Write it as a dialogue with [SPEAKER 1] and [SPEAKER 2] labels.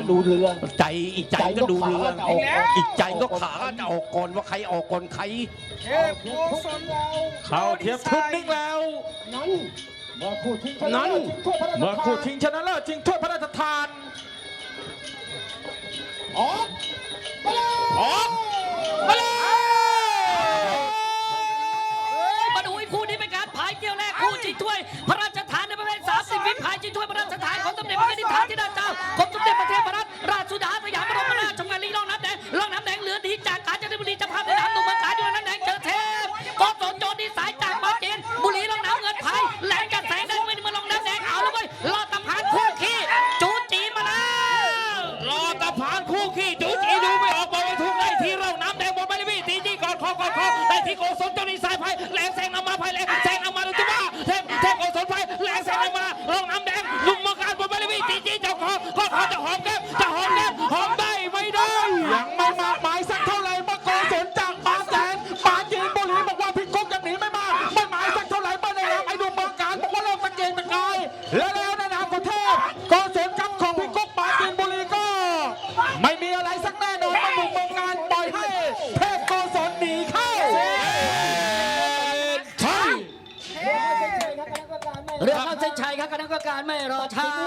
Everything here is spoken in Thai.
[SPEAKER 1] ดูเรื่อง
[SPEAKER 2] ใจอีกใจก็ดูเรื่องอีกใจก็ขาจะออกก่อนว่าใครออกก่อนใคร
[SPEAKER 3] เข้าเทียบทุกนิ่งแล้ว
[SPEAKER 1] นั้นเมื่อคู่ชิงชนะเ
[SPEAKER 3] ลิศชิงถ้วยพระราชทาน
[SPEAKER 1] ออก
[SPEAKER 3] มาเลย
[SPEAKER 4] มาดูคู่นี้เป็นการพายเกี่ยวแรกคู่ชิงถ้วยพระราชทานในประเภท30 วิพายชิงถ้วยพระราชทานของสมเด็จพระนิธิฐานธิดาเจ้ากรมสมเด็จพระเทพรัตนราชสุดาสยามบรมราชชงานลีร่องน้ำแดงเหลือดีจากกาญจนบุรีจะพาไปน้ำตุ่มเมืองกาญจนน้ำแดงเจอเทพกศโจดีสายจากปราจีนบุรีร่องน้ำเงินพายแหลงกันแสงได้ไม่มาลงน้ำแดงเอาแล้วเว้ยรอตะพานคู่ขี้จูจีมาแล้ว
[SPEAKER 3] รอตะพานคู่ขี้จูจีดูไม่ออกบอกไม่ถูกได้ที่ร่องน้ำแดงบนใบเลวี่ตีจี้ก่อนคอได้ที่โกศลโจดีสายพายแหลงแสงนำมาพายแหลงแสงนำมาดูจุ๊บ้าเทพโกศลพายแหลงแสงนำมาร่องน้ำแดงลุมมาการบนใบเลวี่ตีจี้เจ้าคอจะหอมแก้มหอมได้ไม่ได้ยังไม่มากหมายสักเท่าไหร่มาโกศลจากบางแสนปราจีนบุรีบอกว่าพี่กุ๊กยังหนีไม่มากไม่หมายสักเท่าไหร่มาในนามไอ้ดุมเมืองการบอกว่าโลกตะเกียงตะกายแล้วในนามของเทพโกศลกับของพี่กุ๊กปราจีนบุรีก็ไม่มีอะไรสักแน่นอนมาบุกเมืองการปล่อยให้เทพโกศลหนีเข้า
[SPEAKER 4] เรือเข้าเส้นชัยครับคณะกรรมการไม่รอช้า